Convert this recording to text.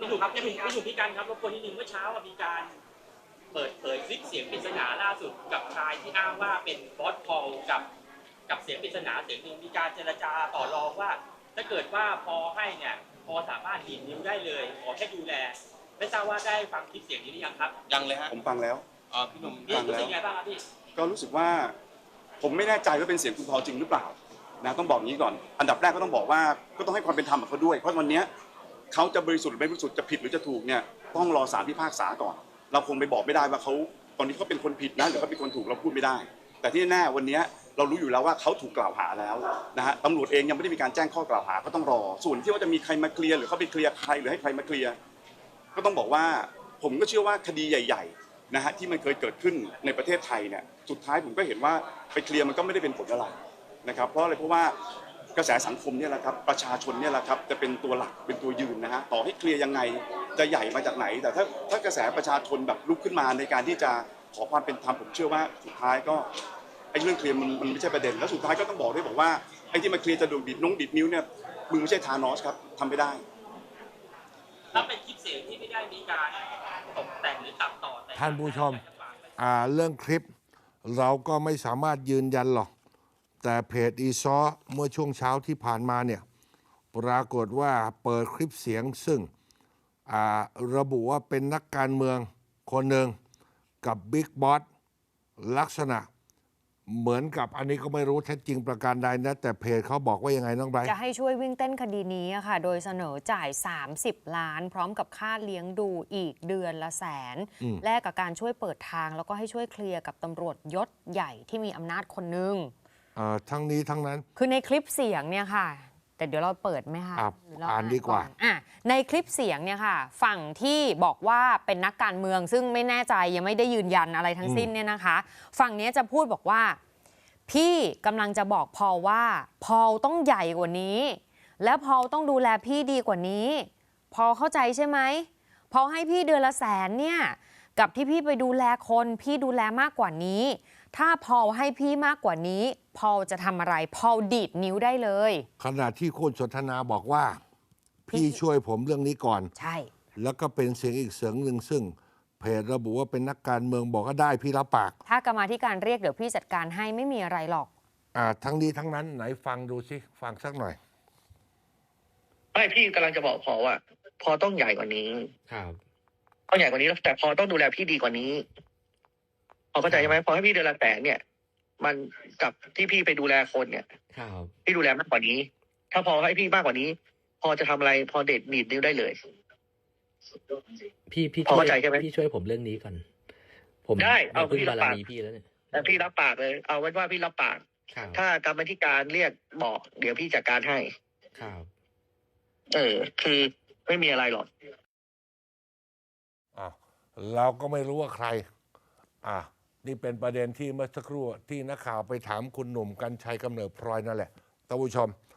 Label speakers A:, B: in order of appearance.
A: หนุ่มครับพี่หนุ่มพี่กันครับรบกวนนิดนึงเมื่อเช้ามีการเปิดเผยคลิปเสียงปริศนาล่าสุดกับชายที่อ้างว่าเป็นบอสพอลกับเสียงปริศนาเสียงหนึ่งมีการเจรจาต่อรองว่าถ้าเกิดว่าพอให้เนี่ยพอสามารถดีดนิ้วได้เลยขอแค่ดูแลไม่ทราบว่าได้ฟังคลิปเสียงนี้หรือยังครับ
B: ยังเลยฮะ
C: ผมฟังแล้ว
B: พี่หนุ่ม
A: พี่รู้สึกยังไงบ้างครับพี่
C: ก็รู้สึกว่าผมไม่แน่ใจว่าเป็นเสียงคุณพอจริงหรือเปล่านะต้องบอกงี้ก่อนอันดับแรกก็ต้องบอกว่าก็ต้องให้ความเป็นธรรมกับเขาด้วยเพราะวันนี้เขาจะบริสุทธิ์หรือไม่บริสุทธิ์จะผิดหรือจะถูกเนี่ยต้องรอศาลพิพากษาก่อนเราคงไปบอกไม่ได้ว่าเขาตอนนี้เขาเป็นคนผิดนะหรือเขาเป็นคนถูกเราพูดไม่ได้แต่ที่แน่วันนี้เรารู้อยู่แล้วว่าเขาถูกกล่าวหาแล้วนะฮะตำรวจเองยังไม่ได้มีการแจ้งข้อกล่าวหาก็ต้องรอส่วนที่ว่าจะมีใครมาเคลียร์หรือเขาไปเคลียร์ใครหรือให้ใครมาเคลียร์ก็ต้องบอกว่าผมก็เชื่อว่าคดีใหญ่ๆนะฮะที่มันเคยเกิดขึ้นในประเทศไทยเนี่ยสุดท้ายผมก็เห็นว่าไปเคลียร์มันก็ไม่ได้เป็นผลอะไรนะครับเพราะอะไรเพราะว่ากระแสสังคมเนี่ยแหละครับประชาชนเนี่ยแหละครับจะเป็นตัวหลักเป็นตัวยืนนะฮะต่อให้เคลียร์ยังไงจะใหญ่มาจากไหนแต่ถ้ากระแสประชาชนแบบลุกขึ้นมาในการที่จะขอความเป็นธรรมผมเชื่อว่าสุดท้ายก็ไอ้เรื่องเคลียร์มันไม่ใช่ประเด็นแล้วสุดท้ายก็ต้องบอกด้วยบอกว่าไอ้ที่มาเคลียร์จะดูดบิดนิ้วเนี่ยมึงไม่ใช่ธานอสครับทำไม่ได้
A: ถ้าเป็นคลิปเสียงที่ไม่ได้มีการตกแต่งหรือตัดต่อ
D: ท่านผู้ชมเรื่องคลิปเราก็ไม่สามารถยืนยันหรอกแต่เพจอีซ้อเมื่อช่วงเช้าที่ผ่านมาเนี่ยปรากฏว่าเปิดคลิปเสียงซึ่งระบุว่าเป็นนักการเมืองคนหนึ่งกับบิ๊กบอสลักษณะเหมือนกับอันนี้ก็ไม่รู้แท้จริงประการใดนะแต่เพจเขาบอกว่ายังไงน้องไบรท์
E: จะให้ช่วยวิ่งเต้นคดีนี้ค่ะโดยเสนอจ่าย30 ล้านพร้อมกับค่าเลี้ยงดูอีกเดือนละ100,000แลกกับการช่วยเปิดทางแล้วก็ให้ช่วยเคลียร์กับตำรวจยศใหญ่ที่มีอำนาจคนหนึ่ง
D: ทั้งนี้ทั้งนั้น
E: คือในคลิปเสียงเนี่ยค่ะแต่เดี๋ยวเราเปิดไหมคะ
D: อ่านดีกว่า
E: ในคลิปเสียงเนี่ยค่ะฝั่งที่บอกว่าเป็นนักการเมืองซึ่งไม่แน่ใจยังไม่ได้ยืนยันอะไรทั้งสิ้นเนี่ยนะคะฝั่งนี้จะพูดบอกว่าพี่กำลังจะบอกพอลว่าพอลต้องใหญ่กว่านี้และพอลต้องดูแลพี่ดีกว่านี้พอลเข้าใจใช่ไหมพอลให้พี่เดือนละ100,000เนี่ยกับที่พี่ไปดูแลคนพี่ดูแลมากกว่านี้ถ้าพอลให้พี่มากกว่านี้พอลจะทำอะไรพอลดีดนิ้วได้เลย
D: ขณะที่คุณสนทนาบอกว่าพี่ช่วยผมเรื่องนี้ก่อน
E: ใช่
D: แล้วก็เป็นเสียงอีกเสียงหนึ่งซึ่งเพจระบุว่าเป็นนักการเมืองบอกก็ได้พี่รับปาก
E: ถ้ากรรมาธิการเรียกเดี๋ยวพี่จัดการให้ไม่มีอะไรหรอก
D: ทั้งนี้ทั้งนั้นไหนฟังดูสิฟังสักหน่อย
F: ไม่พี่กำลังจะบอกพอว่าพอต้องใหญ่กว่านี้
B: ครับ
F: ต้องใหญ่กว่านี้แต่พอต้องดูแลพี่ดีกว่านี้พอเข้าใจไหมพอให้พี่เดือนละ100,000เนี่ยมันกับที่พี่ไปดูแลคนเนี่ย
B: ครับ
F: พี่ดูแลมากกว่านี้ถ้าพอให้พี่มากกว่านี้ พอจะทำอะไรพอเด็ดหนีบนิ้วได้เลย
B: พี่
F: พอเข้าใจใช่ไหม
B: พี่ช่วยผมเรื่องนี้ก่อนผม
F: ได้เอา
B: พี่
F: รับปาก
B: พี่แล้วเนี่ย
F: แต่พี่รับปากเลยเอาไว้ว่าพี่รับปากถ้ากรรมธิการเรียกบอกเดี๋ยวพี่จัดการให้
B: ครับ
F: คือไม่มีอะไรหรอก
D: เราก็ไม่รู้ว่าใครนี่เป็นประเด็นที่เมื่อสักครู่ที่นักข่าวไปถามคุณหนุ่มกรรชัยกำเนิดพลอยนั่นแหละท่านผู้ชม